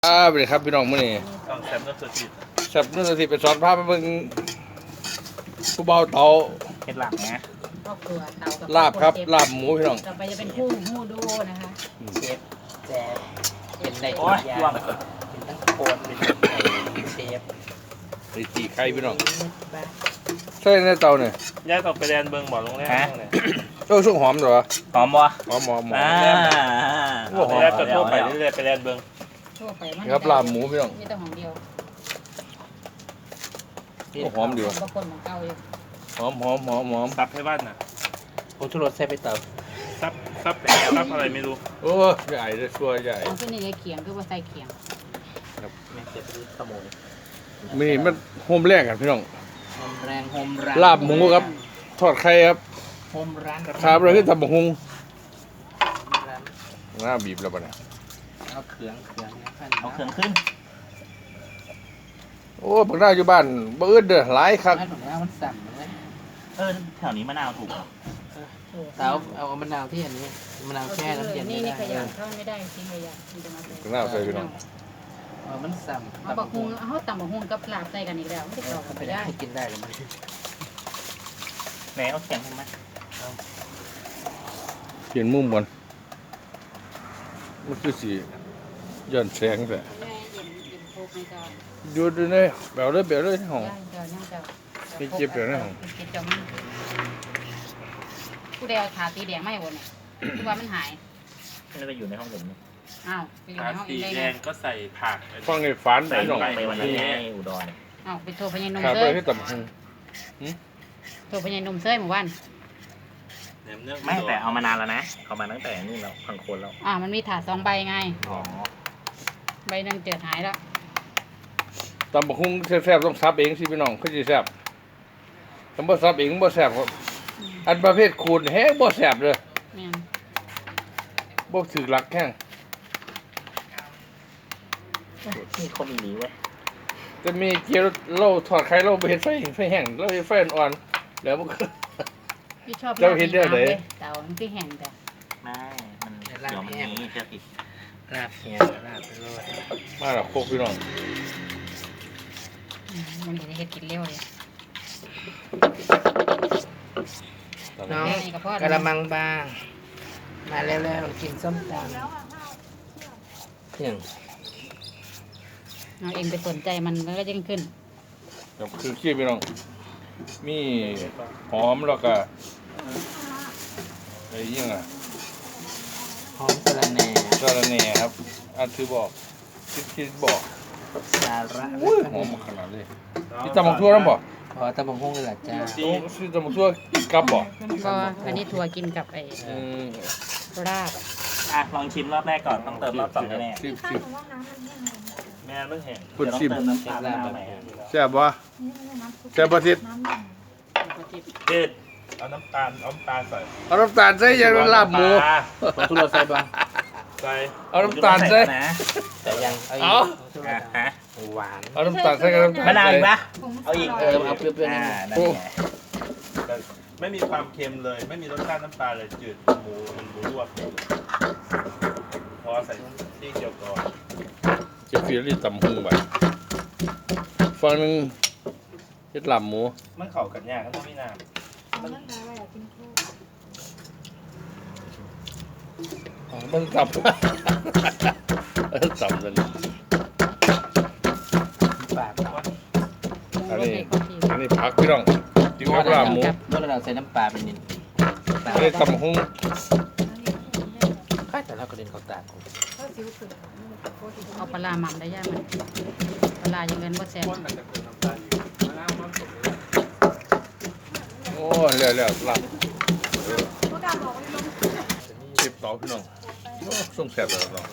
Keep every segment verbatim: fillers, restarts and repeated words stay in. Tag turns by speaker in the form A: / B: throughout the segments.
A: ครับสวัสดีครับพี่น้องมื้อนี้
B: ต้องแซมต้องสติ
A: แซ่บนู่นสิไปสอนพาไปเบิ่งผู้เบาเตา
B: เห็ดหลังนะ
C: ครอบครัวเตากับ
A: ลาบครับลาบหมูพี่น้อง
C: ต่อไปจะเป็นคู่หูดูนะคะ
D: เชฟแจ๊บเป็นใน
B: โอ้
D: ทุ
B: ย
D: กอย่า
B: ว่าง
D: เป็นทั้งโคนเป็นเชฟ
A: ไอ้ตีไข่พี่น้องใช่ในเตาเนี่ย
B: ย้ายต่อไปแดนเบิงบ่อลงแรกเลย
A: โอ้สุกหอมเหรอ
B: หอมบ่
A: หอมหอมหอม
B: อ่าแรกจะทั่วไปเรื่อยๆไปแดนเบิง
C: ทั่วไปมัน
A: ครับลาบหมูพี่น้อง
C: มีแต่ของเดียว
A: โอ้หอมดีว่ะ
C: บางคนของเก่าอยู่
A: หอมหอมหอมหอม
B: ซับให้บ้านน่ะ
D: ผมชุรสใส่ไปเตา
B: ซับซับซับอะไรไม่รู้
A: โอ้ใหญ่เลยชัวใหญ่
C: ของที่นี่ไอ้เขียงคือว่าใส่เขียง
D: แม่เจ็บขโมย
A: มื้อนี้มันโฮมแรกกันพี่น้อง
D: โฮมแรงโฮมร้าน
A: ลาบหมูครับทอดไข่ครับ
D: โฮมร้าน
A: ครับเลยคือตำบักหุ่ง
D: ร้าน
A: หน้าบีบแล้วบ่เนี่ย
D: เอาเขืองเขืองนะพัน
B: เอาเครื่องขึ้น
A: โอ้บักหน้าอยู่บ้านบ่อึดเด้อหลายคัก
D: ร้านของเรามันสั่นเลย
B: เออแถวนี้มะนาวถูก
D: เตาเอามะนาวที่อันนี้มะนาวแช่น้ำเย็น
C: นี่
D: ไม่
C: นี่
D: ได้
C: ขยันเข้าไม่ได้จริงขยันมันจะมา
A: บักหน้าใส่พี่น้อง
D: เออมันสั่น
C: เอาบักฮุงเอาตำบักฮุงกับลาบใส่กันอีกแล้วไม่ได้กรอบกัน
D: ไป
C: ไม่
D: ได้
C: ได้
D: กินได้หรือไม่
B: ไหนเอาเขียงให้มั้ย
A: เปลี่ยนมุมก่อนมันคือสิย้อนแสงแต่
C: แม่เย็นเย็นโคกในจอ
A: อยู่ดูนี่แบวเลยแบวเลยห้อง
C: ย่างจอย่างจอ
A: มีเจ็บอยู่นะผม
C: มีเจ็บจอมันผู้ใดเอาขาตีแดงไม่หมดเนี่ยคือว่ามันหาย
B: ไม่ได้อยู่ในห้องผม
C: อ้าวไปอยู่ในห้องเอ
B: สี
C: งได้
B: แด
C: ไง
B: งก็ใส่ผัก
A: ฟังในฝัน
B: ใส่
A: พี่
B: ล
A: น้อง ง
B: ไปวันนั้นให้อุดร
C: อ้าวไปโทรพญานม
A: ขา
C: เซ
A: ไป
C: ย
A: ให้ตำหง
C: โทรพญานมเซยหมู่บ้าน
B: ไม่แต่เอามานานแล้วนะเอามาตั้งแต่นู่นแล้วพังโคนแล้ว
C: อ่ามันมีถาดสองใบไง
B: อ๋อ
C: ใบหนึ่งเจิดหายแล้ว
A: ตำบักหุ่งแซ่บๆต้องซับเองสิพี่น้องคือสิแซ่บถ้าบ่ซับเองบ่แซ่บครับอันประเภทคูณแฮงบ่แซ่บเลย
C: แม่น
A: บ่ถือหลักแข้ง
B: นี่เขามีนี้เว้ย
A: จะมีเกี๊ยวเราทอดไข่เราบ่เฮ็ดไฟไฟแห้งเราเฮ็ดไฟอ่อนๆแล้วมันก็
C: พี่ชอบ
A: เจ้าเห็นเรื่องไหน
C: เต่ามันที่แห้งแต่
B: ไม่มันเดี๋ยวมันนี้เชื่อติด
D: ลาบแห้งลาบไปเลย
A: มาแล้วโคกพี่น้อง
C: อืมมันจะเฮ็ดกินเร็วเลย
D: น้อง
C: แค่นี้ก็พอก
D: ระมังบางมาแล้วๆกินส้มตำเที่ยง
C: เอาเองไปสนใจมันมันก็ยิ่งขึ้น
A: ครับคือขี้พี่น้องมีหอมแล้วก็ไอ้ยังอ่ะ
D: หอมสะระแหน่
A: สาระแหน่ครับ อันคือบอกคิดคิดบอก
D: สาระ
A: อุ้ยหอมขนาดเลยนี่ตำบักทั่วน้ำบ่
D: พอตะบงฮงเลยล่ะจ้า
A: โอ้ซื้อตำบักทั่วกับบ่
C: ก็อันนี้ทัวกินกับไอ้
A: อืม
C: ราบ
B: อ่ะลองชิมรอบแรกก่อนต้องเติมรอบสองแน่
A: ชิมชิม
B: แม่ไม่เห็น
A: คุณชิม
B: เติมน้ำตาลมะนาวใหม่
A: แซ่บบ่แซ่บบ่ทิศ
B: เด็ดเอาน้ำตาลเอาน้ำตาลใส่
A: เอาน้ำตาลใส่ยังลาบหมู
D: ผมทุรสใส่บ้าง
B: ใส่
A: เอาน้ำตาลใส่
B: นะ
D: แต่ยังเอาอี
A: เอา
D: กทุร
B: อ่ะ
D: ส
B: ฮะ
D: หวาน
A: เอาน้ำตาลใส่กับน้ำตาล
B: มะนาวอีกปะเอาอีก
D: เออเอาเปรี้ยวๆนิดนึง
B: อ่านั่นไง
E: แต่ไม่มีความเค็มเลย ไม่มีรสชาติน้ำปลาเลยจืดหมูมันหมูลวกพอใส่ที่เกี่ยวก่อน
A: จะฟีรีตำหุงไปฝั่งหนึงเฮ็ดลาบหมู
E: มันเข้ากันยากครับพี่น้
A: อ๋อมันตับ เออตับเลย
D: ปาก
A: อันนี้อันนี้ผักพี่น้องกินกับลาบหมู
D: เมื่อเราใส่น้ำปลาไปนิด
A: อันนี้ตำหุง
D: ค่อยแต่เราก็เดินเขาตาก
C: เอาปลาร้าหม่ำได้ย่ามันปลาร้ายังเงินบ่แซ่บ
A: โอ้เร็วเร็วลาบเจ็บต่อพี่น้องโอ้ส่งแซ่บเลยน้อง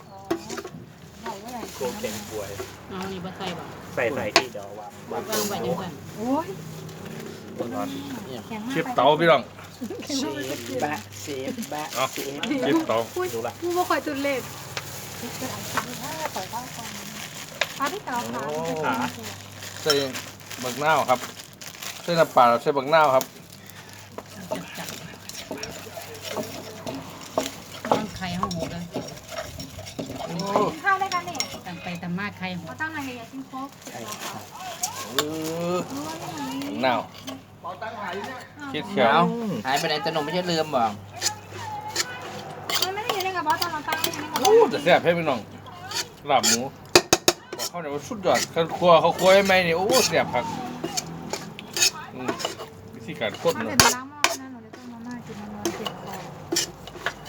B: โคเค็มป่วย
C: เอานี่บ่ใส่บ่
B: ใส่ใส่ที่เดี๋ยววางวาง
C: วางไว้จังซั่น
A: เจ็บเตาพี่น้อง
D: เชฟบะเชฟบะ
A: เอา
D: เชฟ
A: เจ็บเตา
B: ดูละ
F: กูบ่ค่อยจุดเลขพาพี่เต๋อค่ะ
A: โอ้ใส่บักนาวครับใส่น้ำปลาใส่บักนาวครับ
C: ต้องไข่ห้องหมูเลย
A: โอ้
F: กินข้าวได้กันนี่
C: ตั้งไปากใครหัว
F: เอาตั้งไหนอยากกินโค้ก
D: ใช่ครับ
A: เออ
F: รู้ว่าไม่มี
A: หนาวคิดเขียว
D: เอาหายไปไหนตะนงไม่ใช่ลืมบอก
F: มันไม่ได้อยู่ในกระเป๋าตอนเราตั้งอยู่ในกระ
A: โอ้
F: เป๋า
A: แต่แซ่บให้พี่น้องลาบหมูบอกเขาเนี่ยว่าสุดยอดเขาครัวเขาครัวให้ไหมเนี่ยโอ้แซ่บครับอืมวิธีการคน
F: มัน
A: เนาะ
F: เสร็จไปล้างหม้อนะหนูจะต้มมาม่ากินมันนอนเจ็บคอ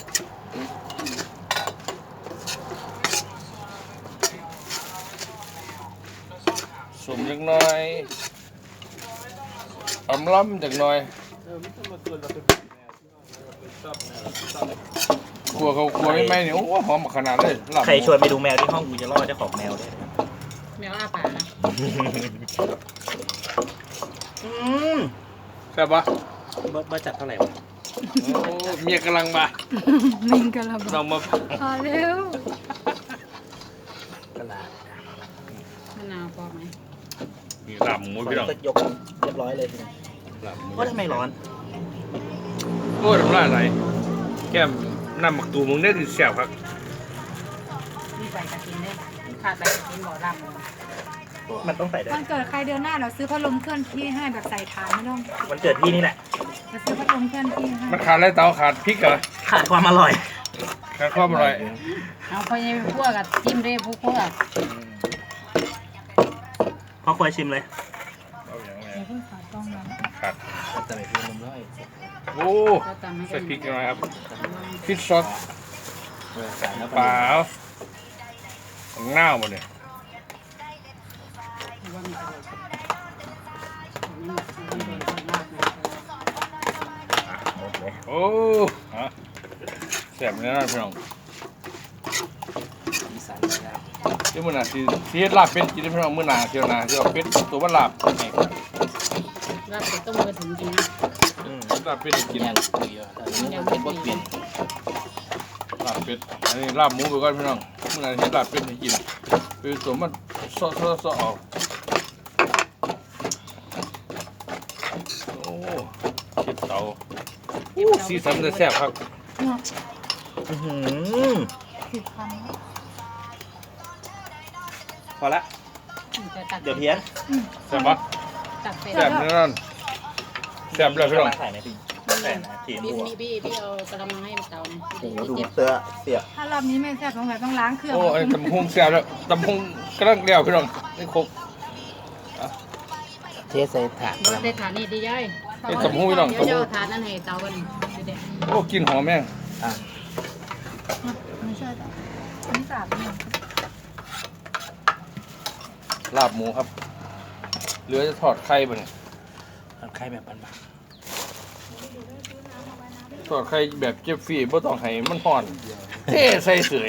A: สมจักหน่อยอำล้ำจักหน่อยครัวเขาครัวให้ไหมเนี่ยโอ้หอมขนาดเลยลาบหมู
B: ใครชวนไปดูแมวที่ห้องกูจะล่อเจ้าของแมวด้วย
C: แมวอาปากนะ
B: อืม
A: แซ่บปะ
B: เบิร์ดเบิร์ดจัดเท่าไหร่วะ
A: โอ้เมียกำลังมา
F: มิงกระบ
A: เรามา
F: พอเร็ว
D: ตลาด
C: มะนาวพอไหม
A: มีลาบหมูพี่น้อง
B: ก็ยกเรียบร้อยเลยทีนี้
A: ลาบหมู
B: ว่าทำไมร้อน
A: โอ้ยน้ำลายไหลแก้มน้ำหมักตูมึงได้ดีแซ่บครับ
C: นี่ใส่กระทินได้ขาดใส่กระทินบ่อลำ
B: มันต้องใส่ได้
F: วันเกิดใครเดือนหน้าเราซื้อพัดลมเคลื่อนที่ให้แบบใส่ฐานไม่ต้อง
B: มันเกิดพี่นี่แหละ
F: จะซื้อพัดลมเคลื่อนที่ให้
A: มันขาดอะไรเตาขาดพริกเหรอ
B: ขาดความอร่อย
A: ขาดความอร่อย
C: เอาพอยังพวกกับจิ้มได้พวกพวก
B: พอควรชิมเลย
A: เอาอย่างไร
F: อย่าเพิ่งขาดต้องนะ
A: ขาด
D: แต่ไม่พี่ลืมร้อย
A: โอ้
C: ก็ตำให้
A: ใส่
C: กัน
A: พริกหน่อยครับพริกซอส
D: เออใส่แล้ว
A: เปล่าของเน่าหมดเนี่ย
C: ว่ามีอะไรนี่มันเป็นคนมากเลย
B: หมดเลย
A: โอ้ฮะแซ่บเลยนะพี่น้อง
D: อีสานนะครับ
A: เดี๋ยวมื้อหน้าสิสิเฮ็ดลาบเป็ดกินได้พี่น้องมื้อหน้าเที่ยวหน้าสิเอาเป็ดตัวมันลาบให้
C: ลาบเป็ดต้มกระถิ่นจริงนะ
B: อืม
A: ลาบเป็ดให้กิน
D: ย่างคุยอ่ะตอนนี้มันเป็นบทเปลี่ยน
A: ลาบเป็ดอันนี้ลาบหมูไปก่อนพี่น้องมื้อหน้าสิเฮ็ดลาบเป็ดให้กินคือตัวมันซอๆๆออกโอ้เก็บเตาโอ้สีสันจะแซ่บครับ
B: อื้อหือ
F: สิบคำนะ
B: พอละ
C: จะตัก
B: เดี๋ยวเพี้ยน
A: แซ่บปะ
C: ตักเป็ด
A: แซ่บแน่นอนแซ่บเลยพี่น้อง
B: ใส่ไหมพี่ใส่นะทีม
C: พี่
B: บัว
C: พี่พี่พี่เอากระมังให้เตาหน่อย
B: โอ้โหดู
C: เจ็บ
B: เสื้อเสียบ
F: ถ้ารอบนี้ไม่แซ่บสงสัยต้องล้างเครื่อง
A: โอ้ไอ้ตำพุงแซ่บแล้วตำพุงกระด้างเดียวพี่น้องนี่ครบ
D: เทใส่ถาด
C: บได้ฐานนี่ดีย่อย
A: ไอ้ตำพุงพี่น้อง
C: เดี๋ยว
A: ตำ
C: จะ
A: พุง
C: เอาฐานนั่นให้เตากันเด็ด
A: โอ้กินหอมแม่ง
D: อ่ะ
F: ไม่ใช่แต่อันนี้สาบนี่
A: ลาบหมูครับเหลือจะทอดไข่บ่เนี่ย
D: มันไข่แบบบาน
A: ทอดไข่แบบเจ็บฟรีบ่ต้องให้มันห่อนเท่ใส่เสย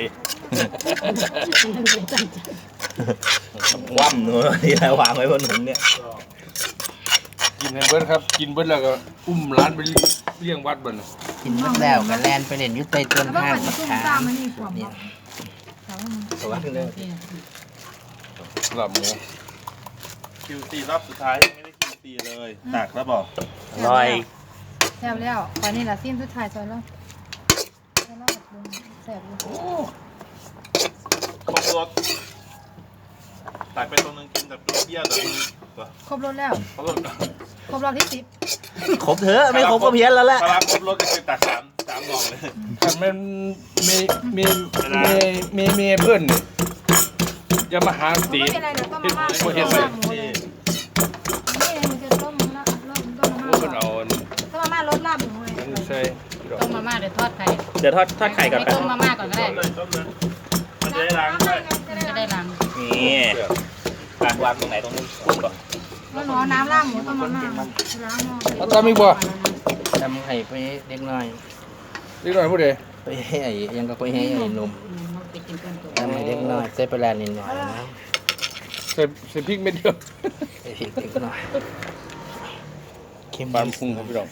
B: คว่ำหนูที่เราวางไว้บนหนุนเนี่ย
A: กินให้เบิดครับ กินเบิดแล้วก็อุ้มร้านไปเลี้ยงวัดบ่น
D: ๆกินหมดแล้วก็แล่นไปเล่นอยุติต้น
F: แล้วก็
D: ห้าง
F: มัน
D: มะ
F: ตุ้ม
D: ขา
F: ตาม
D: ม
F: มันนี่ขวบ
D: เนี่
F: บ
D: ย
F: แต่ว่ามัน
B: ตัวขึ้นเลย
A: ลาบหมู
E: คิวซีรอบสุดท้ายยังไม่ได้คิวซีเลยตักแล้วบอก
B: อร่อย
F: แซ่บแล้วตอนนี้ละสิ้นสุดท้ายซอยแล้วซอยแล้วแบบดึงแซ่บเลย
A: โอ้
E: ครบรสตักไปตรงนึงกินแบบเปรี้ยวๆแต่มึง
F: ครบรสแล้ว
A: ครบรส
F: ครบรอบที่สิบ
B: ครบเถอะไม่ครบก็เพี้ยนแล้วแหละ
E: ถ้ารับครบรสก็คือตักสามสามหน่องเลย
A: ถ้ามันมีมีมีมีมีเพื่อนนี่อย่ามาหาตี
F: ไม่เป็นไรเดี๋ยวต้มมาม่า
A: เฮ็ด
F: ต้ม
A: บ่
F: มา
A: เฮ็ด
F: ม่าหมูเลยนี่มันจะต้มละต้มต้มมา
A: โอ้
F: ม่า
A: เพิ่นเอาอัน
F: ต้มมาม่ารสลาบหมูเลย
A: นั้นใส่พี่น้อง
C: ต้มมาม่าเดี๋ยวทอดไข่
B: เดี๋ยวทอดทอดไข่ก่อน
C: ไม่
B: กัน
C: ต้มมาม่าก่อนก็ได้
E: ต้มเลยต้มเลยมันจะได้ล้างด้วย
C: จะได้ล้าง
B: นี่การวางตรงไหนตรงนู้นปุ๊บก่อน
F: แล้วหนูเอาน้ำลาบหมูต้มมาม่าล้างหม้อ
A: เอาตามอีกบ่
D: ทำให้ไปเด็กน้อย
A: เล็กน้อยผู้ใด
D: ไปให้ไอ้ยังก็ไปให้ไอ้หนุ่ม
C: เราไปกินต้นตัว
D: ทำให้เด็กน้อยใส่ปลาร้านิดหน่อยนะ
A: ใส่ใส่พริกเม็ดเดียว
D: ใส่พริกเด็กน้อยเค็ม
A: บานพุงครับพี่น้อง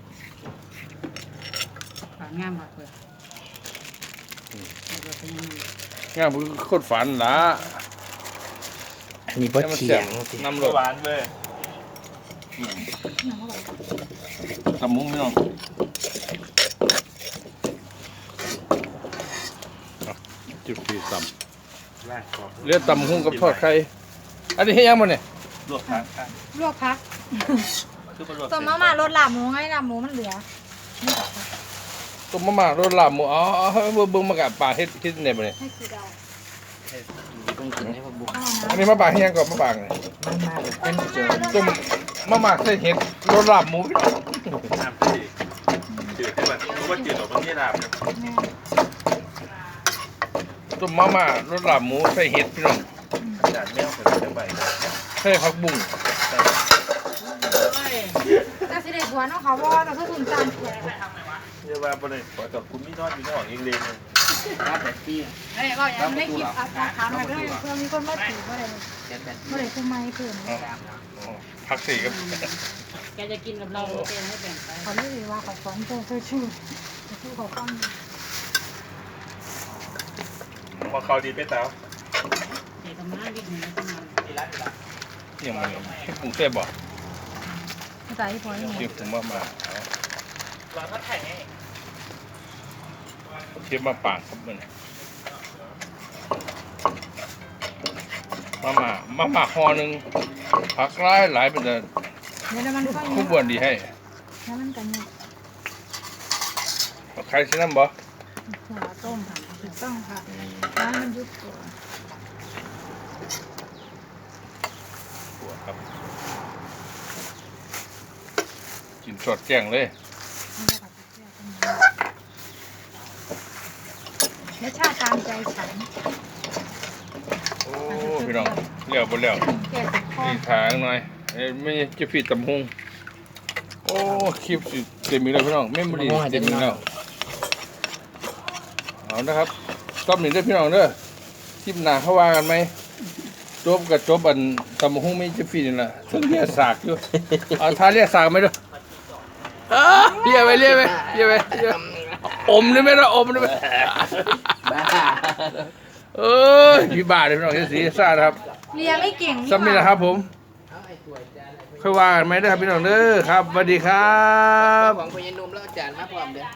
C: ฝางามมากเลยเราเป็นยังไง
A: งามคือโคตรฝันล่ะ
D: อันนี้บ่เฉียงสิ
A: น้ำร
E: ก็
A: ส
E: หวานเว้ย
A: ตำมุ้งพี่น้องจุดปีต
E: ลากกรอบ
A: เหลือตำหุ้งกับทอดไข่อันนี้ให้ยังมันเนี่ย
E: ลวกผักค่ะ
F: ลวกพัก
E: คือเป็นลวก
F: ต้มมาม่ารสลาบหมูไงลาบหมูมันเหลือนี่ก่อนค่ะ
A: ต้มมาม่ารสลาบหมูอ๋อเบิ่งเบิ่งมากะป่าเฮ็ดเฮ็ดเนี่ยบ่เนี่ย
F: ให้คือเรา
D: ต้องกินให้พวกบุก
F: เอา
A: อัน
F: นะ
A: นี้มาป่าให้ยังก่อนมาป่าเนี่ย
D: มันมากเลยเป็นเจอ
A: ต้มมาม่าใส่เห็ดรสลาบหมูพี่น้อง
E: น้ำที่จืดให้มันรู้ว่าจืดหรอกมันไม่ลาบนะ
F: แม่
A: ต้มมาม่ารสลาบหมูใส่เห็ดพี่น้อง
E: จานแมวใส่ไปใบ
A: ใส่ผักบุ้ง
F: แต่สิเด็กหัวน้องเขาว่าแต่คือคุณจานแขก
E: เรียกว่าบริษัทกับคุณไม่นอดมีนอดเองเลยเนี่ย
D: รับแบบที่
F: เอ้ยบอกอย่างนี้คลิปอาถามมาด้วยเพื่อมีคนมาถือว่าอะไร
D: เจ็ดแบบ
F: เมื่อไรคือไม่เพิ่ม
A: ผักสีกับ
C: แกจะกินกับเราแกให้แบ่งไป
F: เขาเรียกว่าเขาสอนเจอเธอชื่อชื่อเขาฟัง
E: พอเขาดีไปเต้า
C: เด็กกับม้าวิ่งหนีกันมา
A: เนี่ยมันที่ปรุงเส้นบ่
F: ภาษาที่พอนี่
A: ที่ปรุงมาม่าเอา
B: เราก็แข่งไง
A: เทียบมาป่างครับมันมาม่ามาม่าห่อหนึ่งผักหลายหลายเป็นแต่
F: เดี๋ยวมันค่อย
A: คู่บวนดีให้
F: แล้วมันกันเนี่ย
A: เอาใครสิน้ำบ่
F: หัวต้มค่ะถูกต้องค่ะแล้วมันยุบตัว
A: หัวครับกินสดแจ้งเลย
F: รสชาติตามใจฉัน
A: โอ้พี่น้องเลี้ยวบ่เลี้ยว
F: แก่ติดคอ
A: นี่ทางหน่อยเอ้ยไม่จะฟีดตำหงโอ้คลิปสิเต็มอีกแล้วพี่น้องเมมโมรี่เต็มอีกแล้วเอานะครับชอบหนึ่งด้วยพี่น้องเด้อคลิปหน้าเขาว่ากันไหมจบกับจบอันตำหงไม่จะฟีดนี่แหละซึ่งเรียกสากอยู่เอาท่าเรียกสากไหมเด้ออ้าเรียกไปเรียกไปเรียกไปเรียกอมได้ไหมล่ะอมได้ไหม
D: บ้า
A: เอ้ยพี่บ้าเลยพี่น้องเสียสีซ่านะครับ
F: เรียไม่เก่ง
A: ซ้ำนี่แหละครับผม
D: เอาไอ้ถ้วยจานอะไร
A: ค่อยว่ากันไหมเด้อครับพี่น้องเด้อครับสวัสดีครับ
D: ของพญานุ่มแล้วจานมาพร้อมเด้อ